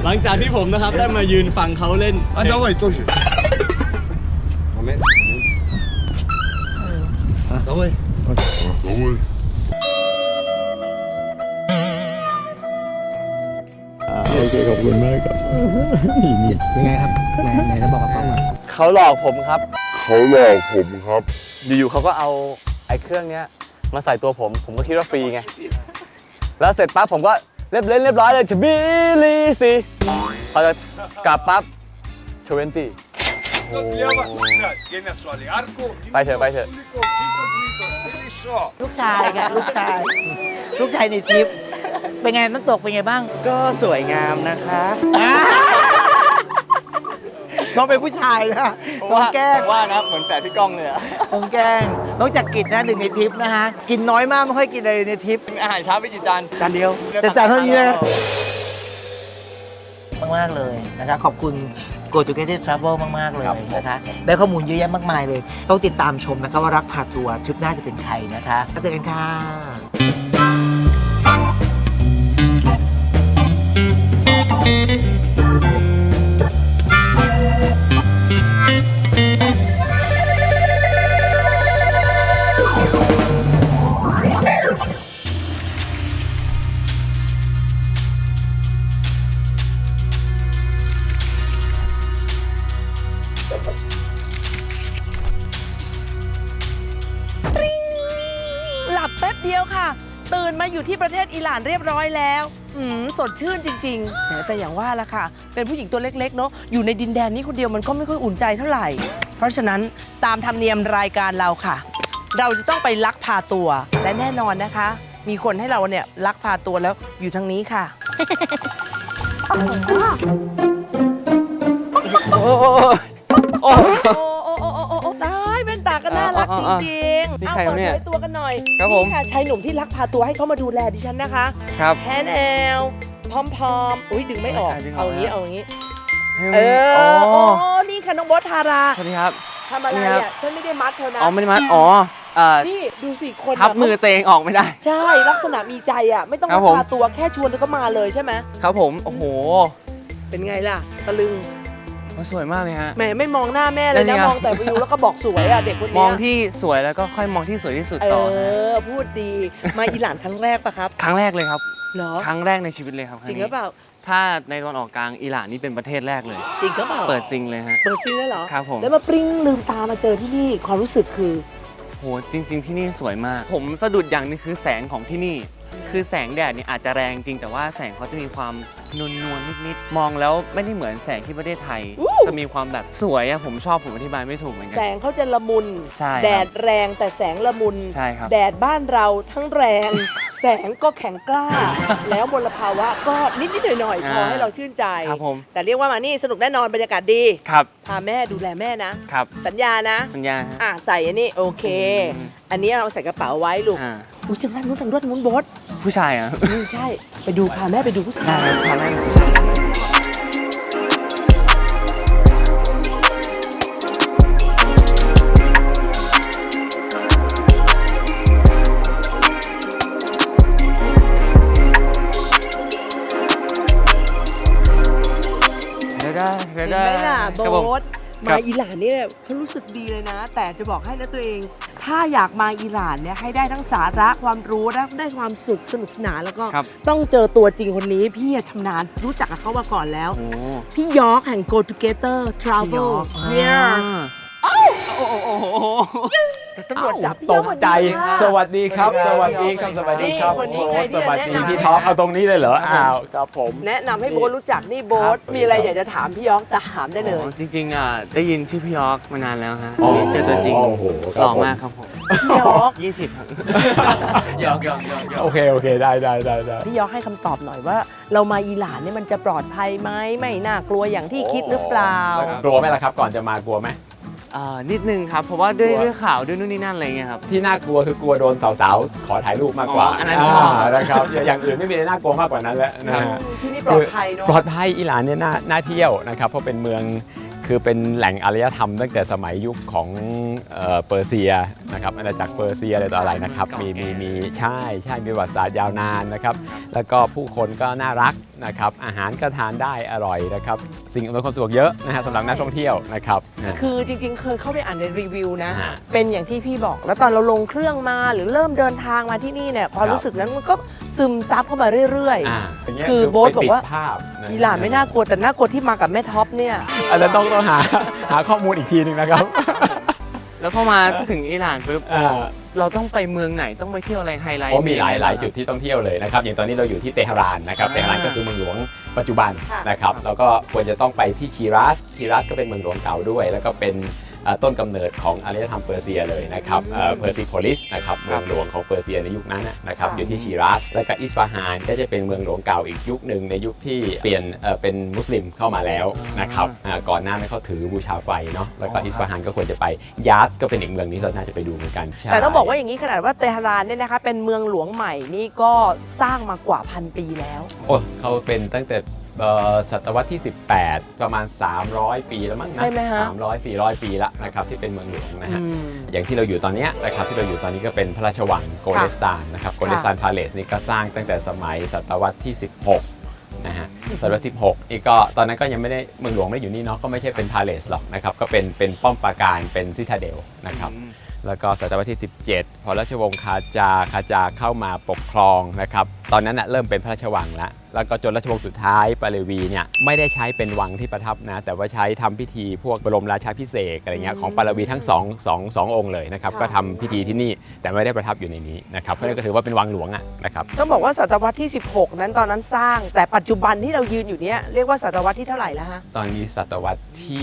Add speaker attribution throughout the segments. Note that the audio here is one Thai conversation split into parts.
Speaker 1: หลังจากที่ผมนะครับได้มายืนฟังเขาเล่น
Speaker 2: давай тоже
Speaker 1: давайโอเคขอบคุณมากครับ
Speaker 3: ยังไงครับไหนจะบอกกับกล้องมา
Speaker 1: เขาหลอกผมครับอยู่ๆเขาก็เอาไอ้เครื่องเนี้ยมาใส่ตัวผมก็คิดว่าฟรีไงแล้วเสร็จปั๊บผมก็เรียบร้อยเลยจะบิลีสิพอจะกลับปั๊บ20ไปเถอะ
Speaker 3: ลูกชายค่ะลูกชายในทริปเป็นไงน้ำตกเป็นไงบ้าง
Speaker 4: ก็สวยงามนะคะ
Speaker 3: น้องเป็นผู้ชายนะน้องแกล้ง
Speaker 1: ว่านะเหมือนแฝดพี่ก้องเลยอะ
Speaker 3: น้องแกล้งน้องจักกิจนะหนึ่งในทริปนะฮะกินน้อยมากไม่ค่อยกินอะไรในทริป
Speaker 1: อาหารเช้าไปกี่จาน
Speaker 3: เดียวแต่จานเท่านี้นะมากเลยนะคะขอบคุณ Go Together Travel มากๆเลยนะคะได้ข้อมูลเยอะแยะมากมายเลยต้องติดตามชมนะคะว่ารักพาทัวร์ทริปหน้าจะเป็นใครนะคะแล้วเจอกันค่ะ
Speaker 5: หลับแป๊บเดียวค่ะตื่นมาอยู่ที่ประเทศอิหร่านเรียบร้อยแล้วสดชื่นจริงๆแต่อย่างว่าละค่ะเป็นผู้หญิงตัวเล็กๆเนาะอยู่ในดินแดนนี้คนเดียวมันก็ไม่ค่อยอุ่นใจเท่าไหร่เพราะฉะนั้นตามธรรมเนียมรายการเราค่ะเราจะต้องไปลักพาตัวและแน่นอนนะคะมีคนให้เราเนี่ยลักพาตัวแล้วอยู่ทางนี้ค่ะโอ้ตายเป็นตาก็น่ารักจริงๆ
Speaker 1: นี่ใครเนี่ย
Speaker 5: ตัวกันหน่อย
Speaker 1: ครับผม
Speaker 5: นี่ค่ะชายหนุ่มที่ลักพาตัวให้เขามาดูแลดิฉันนะคะ
Speaker 1: ครับ
Speaker 5: แฮนแอลพร้อมๆอุ้ยดึงไม่ออกเอาอย่างนี้นี่ค่ะน้องบอสทารา
Speaker 1: สวัสดีครับ
Speaker 5: ทำอะไรอ่ะฉันไม่ได้มัดเธอนะ
Speaker 1: ไม่ได้มัด
Speaker 5: นี่ดูสิคน
Speaker 1: ทับมือตัวเองออกไม่ได้
Speaker 5: ใช่ลักษณะมีใจอ่ะไม่ต้องพาตัวแค่ชวนก็มาเลยใช่ไหม
Speaker 1: ครับผมโอ้โห
Speaker 5: เป็นไงล่ะตะลึง
Speaker 1: สวยมากเลยฮะ
Speaker 5: แหมไม่มองหน้าแม่เลยนะมองแต่วิวแล้วก็บอกสวยอ่ะเด็กคนนี้
Speaker 1: มองที่สวยแล้วก็ค่อยมองที่สวยที่สุดต่อ
Speaker 5: พูดดีมาอิหร่านครั้งแรกปะครับ
Speaker 1: ครั้งแรกเลยครับ
Speaker 5: เหรอ
Speaker 1: ครั้งแรกในชีวิตเลยครับ
Speaker 5: จริงหรือเปล่า
Speaker 1: ถ้าในตะวันออกกลางอิหร่านนี่เป็นประเทศแรกเลย
Speaker 5: จริงหรือเปล่า
Speaker 1: เปิดซิงเลยฮะ
Speaker 5: เปิดซิงแล้วเหรอ
Speaker 1: ครับผม
Speaker 5: แล้วมาปริ้งลืมตามาเจอที่นี่ความรู้สึกคือ
Speaker 1: โหจริงๆที่นี่สวยมากผมสะดุดอย่างนึงคือแสงของที่นี่คือแสงแดดเนี่ยอาจจะแรงจริงแต่ว่าแสงเขาจะมีความนวลนิดๆมองแล้วไม่ได้เหมือนแสงที่ประเทศไทยจะมีความแบบสวยอะผมชอบผมอธิบายไม่ถูกเหมือนกัน
Speaker 5: แสงเขาจะละมุนแดดแรงแต่แสงละมุน
Speaker 1: ใช่ครับ
Speaker 5: แดดบ้านเราทั้งแรงแสงก็แข็งกล้าแล้วมลภาวะก็นิดๆหน่อยๆพอให้เราชื่นใจ
Speaker 1: ครับผม
Speaker 5: แต่เรียกว่ามานี่สนุกแน่นอนบรรยากาศดี
Speaker 1: ครับ
Speaker 5: พาแม่ดูแลแม่นะครับสัญญานะ
Speaker 1: สัญญา
Speaker 5: ใส่อันนี้โอเคอันนี้เราใส่กระเป๋าไว้ลูกอุ้ยจังนั้นนู้นทางนู้นบด
Speaker 1: ผู้ชายอ่ะ
Speaker 5: ใช่ไปดูพาแม่ไปดูผู้ชาย
Speaker 1: พาแม่
Speaker 5: เห็นไหมล่ะโบ๊ทมาอิหร่านเนี่ยเขารู้สึกดีเลยนะแต่จะบอกให้นะตัวเองถ้าอยากมาอิหร่านเนี่ยให้ได้ทั้งสาระความรู้และได้ความสุขสนุกสนานแล้วก็ต้องเจอตัวจริงคนนี้พี่ชำนาญรู้จักกับเขามาก่อนแล้วพี่ยอร์กแห่ง Go Together Travel เนี่ยโอ้ตำรวจจับ
Speaker 2: ตกใจสวัสดีครับสวัสดีครับสวัสดีครับสวัสดีพี่ท็อปเอาตรงนี้เลยเหรอครับผม
Speaker 5: แนะนำให้โบ๊ทรู้จักนี่โบ๊ทมีอะไรอยากจะถามพี่ยอร์กจะถามได้เลย
Speaker 1: จริงๆได้ยินชื่อพี่ยอร์กมานานแล้วฮะเจอตัวจริงหล่อมากครับผม
Speaker 5: พี่ยอร์ก
Speaker 1: 20ครับยอร์ก
Speaker 2: โอเคได้
Speaker 5: พี่ยอร์กให้คำตอบหน่อยว่าเรามาอิหร่านเนี่ยมันจะปลอดภัยไหมไม่น่ากลัวอย่างที่คิดหรือเปล่าก
Speaker 2: ลัวไหมล่ะครับก่อนจะมากลัวไหม
Speaker 1: นิดนึงครับเพราะว่าด้วยข่าวด้วยนู่นนี่นั่นอะไรเงี้ยครับ
Speaker 2: ที่น่ากลัวคือกลัวโดนสาวๆขอถ่ายรูปมากกว่า
Speaker 1: อันนั้นชอบ
Speaker 2: นะครับอย่างอื่นไม่มีอะไรน่ากลัวมากกว่านั้นแล้วนะฮะ
Speaker 5: ที่นี่ปลอดภัยเนาะ
Speaker 2: ปลอดภัยอิหร่านเนี่ยน่าเที่ยวนะครับเพราะเป็นเมืองคือเป็นแหล่งอารยธรรมตั้งแต่สมัยยุคของเปอร์เซียนะครับอาณาจักรเปอร์เซียอะไรต่ออะไรนะครับมีใช่มีประวัติศาสตร์ยาวนานนะครับแล้วก็ผู้คนก็น่ารักนะครับอาหารก็ทานได้อร่อยนะครับสิ่งอำนวยความสะดวกเยอะนะฮะสำหรับนักท่องเที่ยวนะครับ
Speaker 5: คือจริงๆเคยเข้าไปอ่านในรีวิวนะ
Speaker 2: ฮะ
Speaker 5: เป็นอย่างที่พี่บอก แล้วตอนเราลงเครื่องมาหรือเริ่มเดินทางมาที่นี่เนี่ยความรู้สึกนั้นมันก็ซึมซับเข้ามาเรื่อย
Speaker 2: ย่างเงี้ย
Speaker 5: คือโบ๊ทบอกว่า
Speaker 2: ไปปิดภาพนะ
Speaker 5: ๆอีหลานไม่น่ากลัวแต่น่ากลัวที่มากับแม่ท็อปเนี่ย
Speaker 2: อาจจะต้องหาข้อมูลอีกทีหนึ่งนะครับ
Speaker 1: แล้วพอมาถึงอิหร่านปุ๊บ
Speaker 2: อ่า
Speaker 1: เราต้องไปเมืองไหนต้องไปเที่ยวอะไรไฮไลท์
Speaker 2: โอ้มีหลายจุดที่ต้องเที่ยวเลยนะครับอย่างตอนนี้เราอยู่ที่เตหะรานนะครับเตหะรานก็คือเมืองหลวงปัจจุบัน
Speaker 5: ค่ะ
Speaker 2: นะครับแล้วก็ควรจะต้องไปที่ชีรัสก็เป็นเมืองหลวงเก่าด้วย แล้วก็เป็นต้นกำเนิดของอารยธรรมเปอร์เซียเลยนะครับเพอร์ซิโพลิสนะครับเมืองหลวงของเปอร์เซียในยุคนั้นนะครับอยู่ที่ชีรัสแล้วก็อิสฟาฮานก็จะเป็นเมืองหลวงเก่าอีกยุคหนึ่งในยุคที่เปลี่ยนเป็นมุสลิมเข้ามาแล้วนะครับก่อนหน้านั้นเขาถือบูชาไฟเนาะแล้วก็อิสฟาฮานก็ควรจะไปยาสก็เป็นอีกเมืองนี้เราน่าจะไปดูเหมือนกันใช่
Speaker 5: แต่ต้องบอกว่าอย่างนี้ขนาดว่าเตหะรานเนี่ยนะคะเป็นเมืองหลวงใหม่นี่ก็สร้างมากว่า1,000 ปีแล้ว
Speaker 2: โอ้เขาเป็นตั้งแต่ศตวรรษที่ 18 ประมาณ 300 ปีแล้วมั้งนะ
Speaker 5: ใช่ไหมฮะ
Speaker 2: 300-400 ปีละนะครับที่เป็นเมืองหลวงนะฮะอย่างที่เราอยู่ตอนเนี้ยนะครับที่เราอยู่ตอนนี้ก็เป็นพระราชวังโกเลสตานนะครับโกเลสตานพาเลสนี่ก็สร้างตั้งแต่สมัยศตวรรษที่ 16 นะฮะศตวรรษที่ 16 นี่ก็ตอนนั้นก็ยังไม่ได้เมืองหลวงไม่ได้อยู่นี่เนาะก็ไม่ใช่เป็นพาเลสหรอกนะครับก็เป็นป้อมปราการเป็นซิทาเดลนะครับ แล้วก็ศตวรรษที่ 17 พอราชวงศ์คาจาเข้ามาปกครองนะครับตอนนั้นเริ่มเป็นพระราชวังแล้วก็จนราชวงศ์สุดท้ายปาเลวีเนี่ยไม่ได้ใช้เป็นวังที่ประทับนะแต่ว่าใช้ทำพิธีพวกบรมราชาภิเษกอะไรเงี้ยของปาเลวีทั้งสององค์เลยนะครับก็ทำพิธีที่นี่แต่ไม่ได้ประทับอยู่ในนี้นะครับเพราะนั่นก็ถือว่าเป็นวังหลวงนะครับ
Speaker 5: ต้องบอกว่าศตวรรษที่ 16 นั้นตอนนั้นสร้าง แต่ปัจจุบันที่เรายืนอยู่เนี้ยเรียกว่าศตวรรษที่เท่าไหร่แล้วฮะ
Speaker 2: ตอนนี้ศตวรรษที่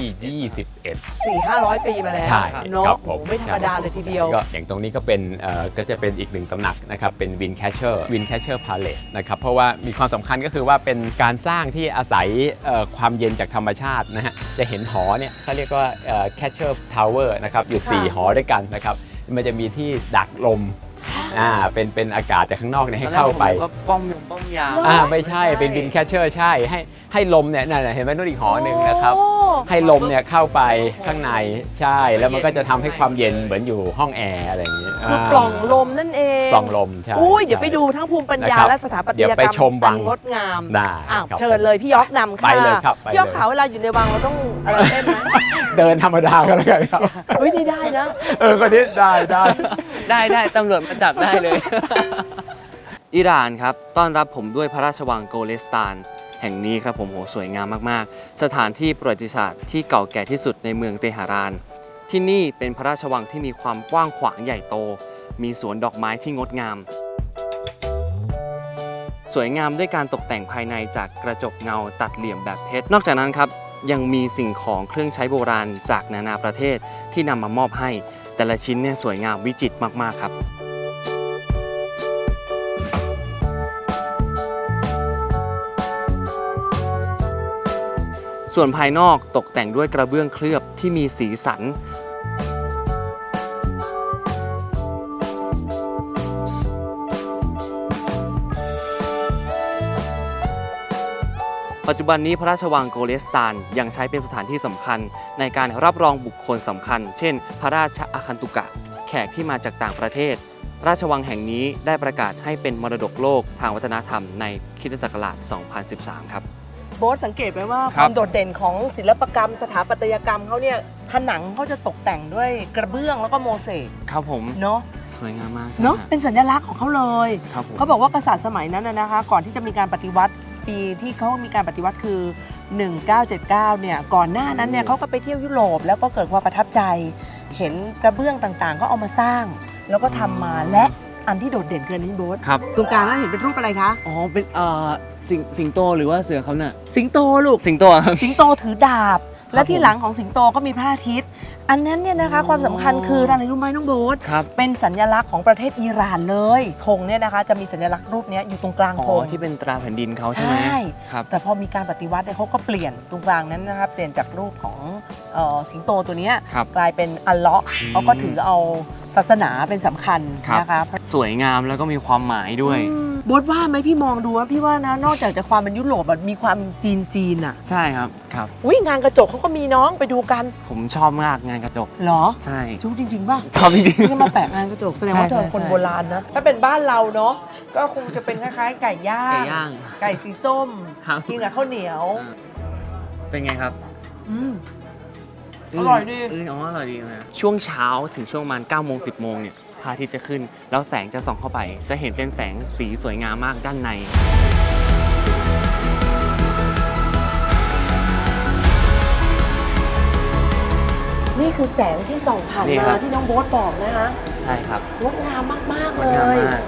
Speaker 2: 21
Speaker 5: 400-500 ปีมาแล้ว
Speaker 2: ใช่
Speaker 5: เนาะ
Speaker 2: ครับผม
Speaker 5: โอ้โหไม่ธรรมดาเลยทีเดียว
Speaker 2: ก็อย่างตรงนี้ก็เป็นก็จะเป็นอีกหนึ่งตำหนักนะครับเป็นวินแคชเชอร์พาเลสนะครับเพราะว่ามีความสำคัญก็คือว่าเป็นการสร้างที่อาศัยความเย็นจากธรรมชาตินะฮะจะเห็นหอเนี่ยเขาเรียกว่าแคชเชอร์ทาวเวอร์นะครับอยู่ 4 หอด้วยกันนะครับมันจะมีที่ดักลมเป็นอากาศจากข้างนอกเนี่ยให้เข้าไป
Speaker 1: ก็ป้อมยาม
Speaker 2: ไม่ใช่เป็นวินแคชเชอร์ใช่ให้ลมเนี่ยนั่นเห็นไหมนู่นอีกหอหนึ่งนะครับ
Speaker 5: โอ้
Speaker 2: ให้ลมเนี่ยเข้าไปข้างในใช่แล้วมันก็จะทำให้ความเย็นเหมือนอยู่ห้องแอร์อะไรอย่างนี้
Speaker 5: คือปล่องลมนั่นเอง
Speaker 2: ปล่องลมใช่
Speaker 5: อุ้ยเดี๋ยวไปดูทั้งภูมิปัญญา
Speaker 2: นะครับ
Speaker 5: และสถาปัต
Speaker 2: เดี๋
Speaker 5: ย
Speaker 2: ยว
Speaker 5: ก
Speaker 2: ไป
Speaker 5: รรม
Speaker 2: ชมวัง
Speaker 5: อันงดงาม
Speaker 2: ได้
Speaker 5: อ้าว
Speaker 2: ครับ
Speaker 5: เชิญเลยพี่ยอกนำค่ะ
Speaker 2: ไปเลยครับไปเลย
Speaker 5: พี่ยอกขาเวลาอยู่ในวังเราต้องอะไรเต้นไหม
Speaker 2: เดินธรรมดาก็แล้วกันครับ
Speaker 5: เฮ้ยนี่ได้นะ
Speaker 2: คนนี้ได้
Speaker 1: ได้ตำรวจมาจับได้เลย อิหร่านครับต้อนรับผมด้วยพระราชวังโกเลสตานแห่งนี้ครับผมโหสวยงามมากๆสถานที่ประวัติศาสตร์ที่เก่าแก่ที่สุดในเมืองเตหะราน ที่นี่เป็นพระราชวังที่มีความกว้างขวางใหญ่โต มีสวนดอกไม้ที่งดงาม สวยงามด้วยการตกแต่งภายในจากกระจกเงาตัดเหลี่ยมแบบเพชรนอกจากนั้นครับยังมีสิ่งของเครื่องใช้โบราณจากนานาประเทศที่นำมามอบให้ แต่ละชิ้นเนี่ยสวยงามวิจิตรมากๆครับ ส่วนภายนอกตกแต่งด้วยกระเบื้องเคลือบที่มีสีสัน ปัจจุบันนี้พระราชวังโกเลสตานยังใช้เป็นสถานที่สำคัญในการรับรองบุคคลสำคัญ เช่น พระราชอาคันตุกะ แขกที่มาจากต่างประเทศ ราชวังแห่งนี้ได้ประกาศให้เป็นมรดกโลกทางวัฒนธรรมในคริสตศักราช 2013 ครับ
Speaker 5: โบ๊ทสังเกตไหมว่า
Speaker 1: ค
Speaker 5: ครับ วามโดดเด่นของศิลปกรรม สถาปัตยกรรมเขาเนี่ยผนังเขาจะตกแต่งด้วยกระเบื้องแล้วก็โมเสก
Speaker 1: ครับผม
Speaker 5: เนาะ
Speaker 1: สวยงามมากใช่
Speaker 5: เนาะ
Speaker 1: ฮะ
Speaker 5: เป็นสัญลักษณ์ของเขาเลย
Speaker 1: ครับผม
Speaker 5: เขาบอกว่ากษัตริย์สมัยนั้นนะคะ ก่อนที่จะมีการปฏิวัติปีที่เขามีการปฏิวัติคือ 1979 เนี่ยก่อนหน้านั้นเนี่ยเขาก็ไปเที่ยวยุโรปแล้วก็เกิดความประทับใจ เห็นกระเบื้องต่างๆ ก็เอามาสร้าง แล้วก็ทำมาและอันที่โดดเด่นเกินนี้โบ๊ท
Speaker 1: ครับ
Speaker 5: ตรงกลางแล้วเห็นเป็นรูปอะไรคะ
Speaker 1: อ๋อเป็นสิงโตหรือว่าเสือเขาเนี่ย
Speaker 5: สิงโตลูก
Speaker 1: สิงโตครับ
Speaker 5: สิงโตถือดาบ และที่หลังของสิงโตก็มีพระอาทิตย์ อันนั้นเนี่ยนะคะความสำคัญคืออะไรรู้ไหมน้องโบ๊ท
Speaker 1: ครับ
Speaker 5: เป็นสัญลักษณ์ของประเทศอิหร่านเลยธงเนี่ยนะคะจะมีสัญลักษณ์รูปเนี้ยอยู่ตรงกลาง
Speaker 1: อ๋
Speaker 5: ธ
Speaker 1: อง ที่เป็นตราแผ่นดินเขาใช่ไหม
Speaker 5: ใช่
Speaker 1: ครับ
Speaker 5: แต่พอมีการปฏิวัติเนี่ยเขาก็เปลี่ยนตรงกลางนั้นนะคะเปลี่ยนจากรูปของสิงโตตัวเนี้ย
Speaker 1: ครับ
Speaker 5: กลายเป็นอัลเลาะห์เขาก็ถือเอาศาสนาเป็นสำคัญ
Speaker 1: ครับ
Speaker 5: นะคะ
Speaker 1: สวยงามแล้วก็มีความหมายด้วย
Speaker 5: โบ๊ทว่าไหมพี่มองดูว่าพี่ว่านะนอกจากจะความเป็นยุโรปแบบมีความจีนอ่ะ
Speaker 1: ใช่ครับครับ
Speaker 5: อุ้ยงานกระจกเขาก็มีน้องไปดูกัน
Speaker 1: ผมชอบมากงานกระจก
Speaker 5: เหรอ
Speaker 1: ใช่
Speaker 5: ชุดจริงๆป่ะ
Speaker 1: ชอบจริง
Speaker 5: ที่มาแปะงานกระจกแสดงว่า
Speaker 1: ใช่
Speaker 5: เธอเป็นคน
Speaker 1: ใช่
Speaker 5: โบราณนะ ถ้าเป็นบ้านเราเนาะก็คงจะเป็นคล้ายๆ ไก่ย่า
Speaker 1: ไก่
Speaker 5: ง
Speaker 1: ย่าง
Speaker 5: ไก่สีส้ม
Speaker 1: ครับ
Speaker 5: กินกับข้าวเหนียว
Speaker 1: เป็นไงครับ
Speaker 5: อืม อร่อยดี
Speaker 1: อ๋ออร่อยดีนะช่วงเช้าถึงช่วงประมาณ9โมง10โมงเนี่ยพระอาทิตย์จะขึ้น แล้วแสงจะส่องเข้าไป จะเห็นเป็นแสงสีสวยงามมากด้านใน
Speaker 5: นี่คือแสงที่ส่องผ่าน
Speaker 1: นี่ครั
Speaker 5: มา
Speaker 1: บ
Speaker 5: ที่น้องโบ๊ทบอกนะคะ
Speaker 1: ใช่ครับ
Speaker 5: งดงามมากๆ
Speaker 1: ง
Speaker 5: เล
Speaker 1: ดงาม
Speaker 5: ย
Speaker 1: มาก